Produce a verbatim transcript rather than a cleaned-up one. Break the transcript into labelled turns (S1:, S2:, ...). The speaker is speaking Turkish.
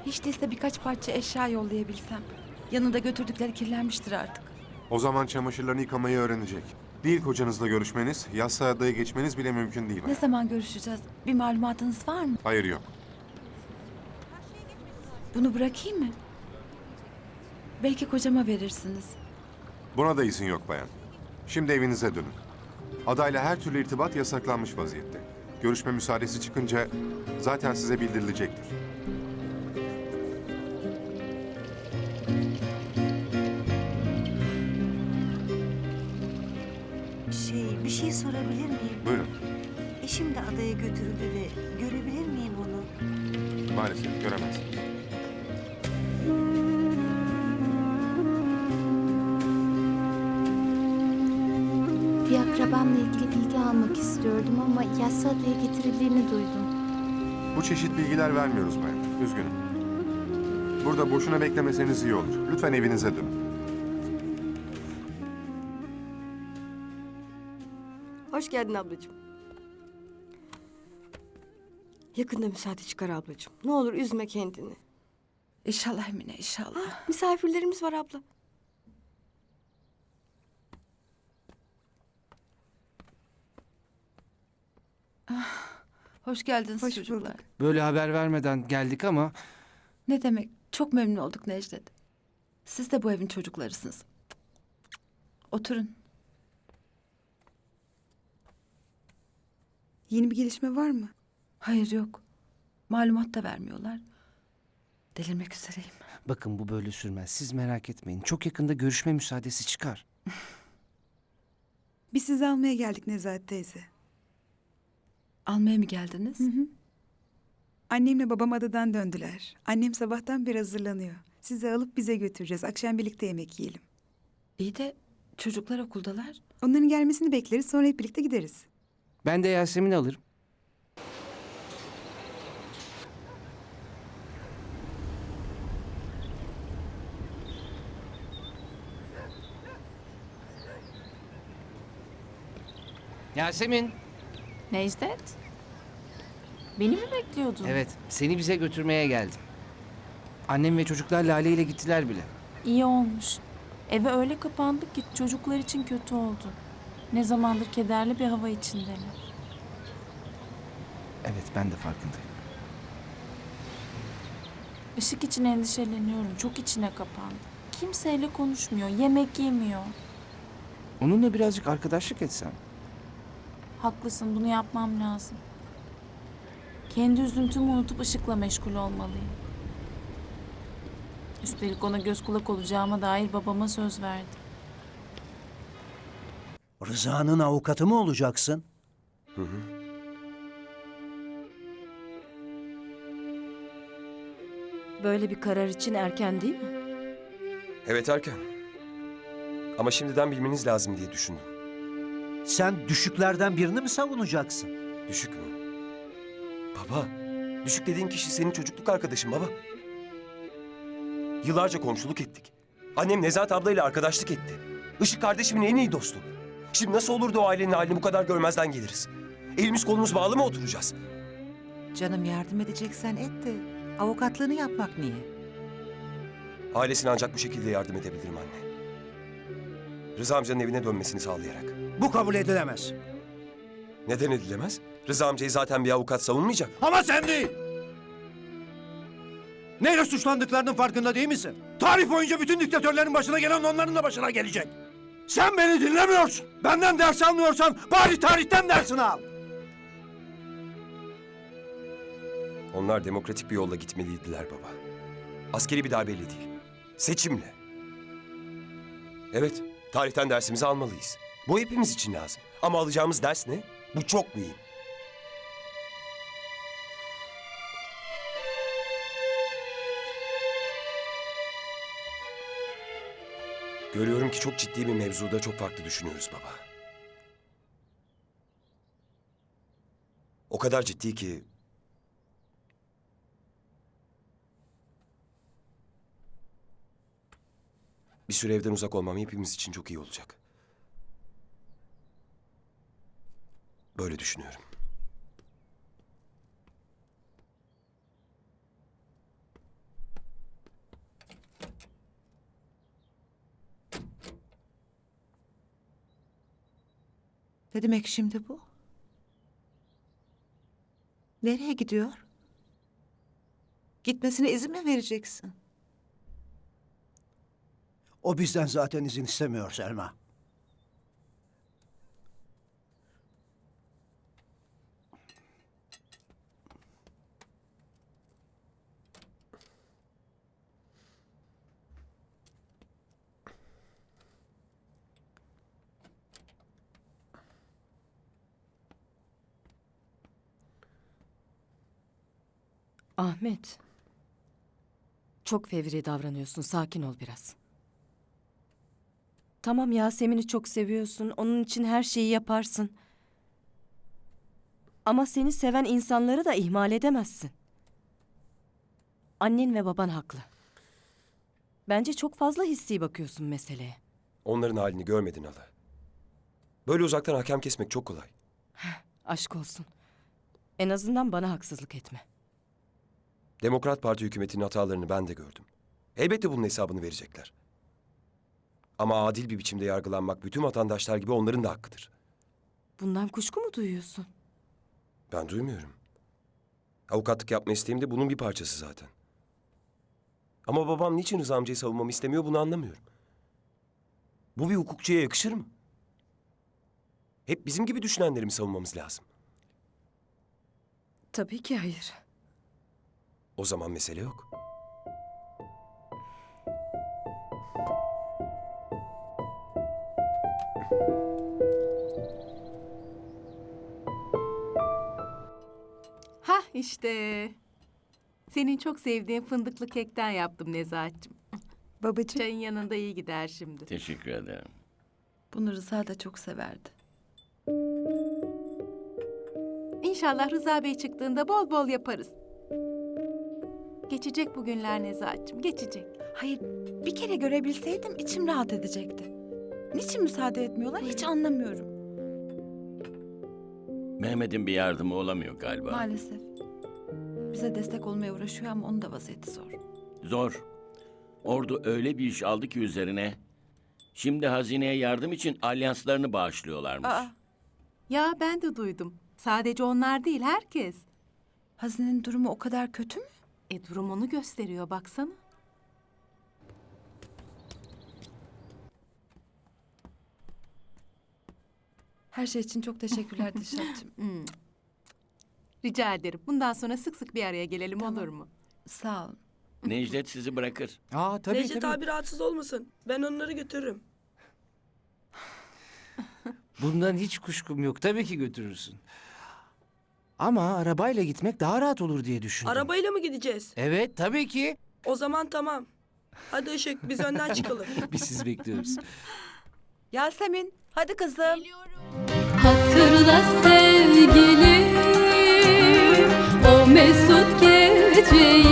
S1: Hiç değilse birkaç parça eşya yollayabilsem. Yanında götürdükleri kirlenmiştir artık.
S2: O zaman çamaşırlarını yıkamayı öğrenecek. Değil kocanızla görüşmeniz, yassı adaya geçmeniz bile mümkün değil.
S1: Ne zaman görüşeceğiz? Bir malumatınız var mı?
S2: Hayır yok.
S1: Bunu bırakayım mı? Belki kocama verirsiniz.
S2: Buna da izin yok bayan. Şimdi evinize dönün. Adayla her türlü irtibat yasaklanmış vaziyette. Görüşme müsaadesi çıkınca zaten size bildirilecektir.
S3: Şey, bir şey sorabilir miyim?
S2: Buyurun.
S3: Eşim de adaya götürüldü de görebilir miyim onu?
S2: Maalesef göremezsiniz.
S4: Bir akrabamla ilgili bilgi almak istiyordum ama yassı adaya getirildiğini duydum.
S2: Bu çeşit bilgiler vermiyoruz bayan. Üzgünüm. Burada boşuna beklemeseniz iyi olur. Lütfen evinize dönün.
S5: Hoş geldin ablacığım. Yakında müsaade çıkar ablacığım. Ne olur üzme kendini.
S1: İnşallah Emine, inşallah.
S5: Misafirlerimiz var abla.
S1: Hoş geldiniz
S5: Hoş
S1: çocuklar.
S5: bulduk.
S6: Böyle haber vermeden geldik ama
S1: Ne demek? Çok memnun olduk Necdet. Siz de bu evin çocuklarısınız. Oturun.
S7: Yeni bir gelişme var mı?
S1: Hayır yok. Malumat da vermiyorlar. Delirmek üzereyim.
S6: bakın bu böyle sürmez. Siz merak etmeyin. Çok yakında görüşme müsaadesi çıkar.
S7: Biz sizi almaya geldik Nezahat teyze.
S1: Almaya mı geldiniz?
S7: Annemle babam adadan döndüler. Annem sabahtan beri hazırlanıyor. Sizi alıp bize götüreceğiz. Akşam birlikte yemek yiyelim.
S1: İyi de çocuklar okuldalar.
S7: Onların gelmesini bekleriz, sonra hep birlikte gideriz.
S6: Ben de Yasemin'i alırım. Yasemin.
S8: Necdet? Beni mi bekliyordun?
S6: Evet, seni bize götürmeye geldim. Annem ve çocuklar Lale ile gittiler bile.
S8: İyi olmuş. Eve öyle kapandık ki çocuklar için kötü oldu. Ne zamandır kederli bir hava içindeler.
S6: Evet, ben de farkındayım.
S8: Işık için endişeleniyorum. Çok içine kapandı. Kimseyle konuşmuyor, yemek yemiyor.
S6: Onunla birazcık arkadaşlık etsem.
S8: Haklısın, bunu yapmam lazım. Kendi üzüntümü unutup ışıkla meşgul olmalıyım. Üstelik ona göz kulak olacağıma dair babama söz verdim.
S9: Rıza'nın avukatı mı olacaksın?
S5: Böyle bir karar için erken değil mi?
S10: Evet erken. Ama şimdiden bilmeniz lazım diye düşündüm.
S9: Sen düşüklerden birini mi savunacaksın?
S10: Düşük mü? Baba, düşük dediğin kişi senin çocukluk arkadaşın baba. Yıllarca komşuluk ettik. Annem Nezahat ablayla arkadaşlık etti. Işık kardeşimin en iyi dostu. Şimdi nasıl olur da o ailenin halini bu kadar görmezden geliriz? Elimiz kolumuz bağlı mı oturacağız?
S3: Canım yardım edeceksen et de avukatlığını yapmak niye?
S10: Ailesine ancak bu şekilde yardım edebilirim anne. Rıza amcanın evine dönmesini sağlayarak.
S9: Bu kabul edilemez.
S10: Neden edilemez? Rıza amcayı zaten bir avukat savunmayacak.
S9: Ama sen değil. Neyle suçlandıklarının farkında değil misin? Tarih boyunca bütün diktatörlerin başına gelen onların da başına gelecek. Sen beni dinlemiyorsun. Benden ders almıyorsan bari tarihten dersini al.
S10: Onlar demokratik bir yolla gitmeliydiler baba. Askeri bir darbeyle değil, seçimle. Evet, tarihten dersimizi almalıyız. Bu hepimiz için lazım. Ama alacağımız ders ne? Bu çok mühim. Görüyorum ki çok ciddi bir mevzuda çok farklı düşünüyoruz baba. O kadar ciddi ki... Bir süre evden uzak olmam hepimiz için çok iyi olacak. Böyle düşünüyorum.
S3: Ne demek şimdi bu? Nereye gidiyor? Gitmesine izin mi vereceksin?
S9: O bizden zaten izin istemiyor Selma.
S5: Ahmet. Çok fevri davranıyorsun. Sakin ol biraz. Tamam, Yasemin'i çok seviyorsun. Onun için her şeyi yaparsın. Ama seni seven insanları da ihmal edemezsin. Annen ve baban haklı. Bence çok fazla hissi bakıyorsun meseleye.
S10: Onların halini görmedin hala. Böyle uzaktan hakem kesmek çok kolay.
S5: Aşk olsun. En azından bana haksızlık etme.
S10: Demokrat Parti hükümetinin hatalarını ben de gördüm. Elbette bunun hesabını verecekler. Ama adil bir biçimde yargılanmak bütün vatandaşlar gibi onların da hakkıdır.
S5: Bundan kuşku mu duyuyorsun?
S10: Ben duymuyorum. Avukatlık yapma isteğim de bunun bir parçası zaten. Ama babam niçin Rıza amcayı savunmamı istemiyor bunu anlamıyorum. Bu bir hukukçuya yakışır mı? Hep bizim gibi düşünenleri mi savunmamız lazım?
S5: Tabii ki hayır.
S10: O zaman mesele yok.
S11: Hah işte. Senin çok sevdiğin fındıklı kekten yaptım Nezahat'cığım.
S7: Babacığım.
S11: Çayın yanında iyi gider şimdi.
S12: Teşekkür ederim.
S1: Bunu Rıza da çok severdi.
S11: İnşallah Rıza Bey çıktığında bol bol yaparız. Geçecek bu günler Nezahat'cığım, geçecek.
S1: Hayır, bir kere görebilseydim içim rahat edecekti. Niçin müsaade etmiyorlar hiç anlamıyorum.
S12: Mehmet'in bir yardımı olamıyor galiba.
S1: Maalesef. Bize destek olmaya uğraşıyor ama onun da vaziyeti zor.
S12: Zor. Ordu öyle bir iş aldı ki üzerine. Şimdi hazineye yardım için alyanslarını bağışlıyorlarmış.
S11: Aa, ya ben de duydum. Sadece onlar değil, herkes.
S1: Hazinenin durumu o kadar kötü mü?
S11: E durum onu gösteriyor, baksana.
S1: Her şey için çok teşekkürler Dilşat'cığım.
S11: Hmm. Rica ederim. Bundan sonra sık sık bir araya gelelim,
S1: Tamam.
S11: olur mu?
S1: Sağ olun.
S12: Necdet sizi bırakır.
S6: Aa tabii
S13: Necdet
S6: tabii.
S13: abi rahatsız olmasın. Ben onları götürürüm.
S6: Bundan hiç kuşkum yok. Tabii ki götürürsün. Ama arabayla gitmek daha rahat olur diye düşündüm.
S13: Arabayla mı gideceğiz?
S6: Evet tabii ki.
S13: O zaman tamam. Hadi Işık biz önden çıkalım.
S6: Biz sizi bekliyoruz.
S1: Yasemin, hadi kızım.
S4: Hatırla sevgilim o mesut geceyi.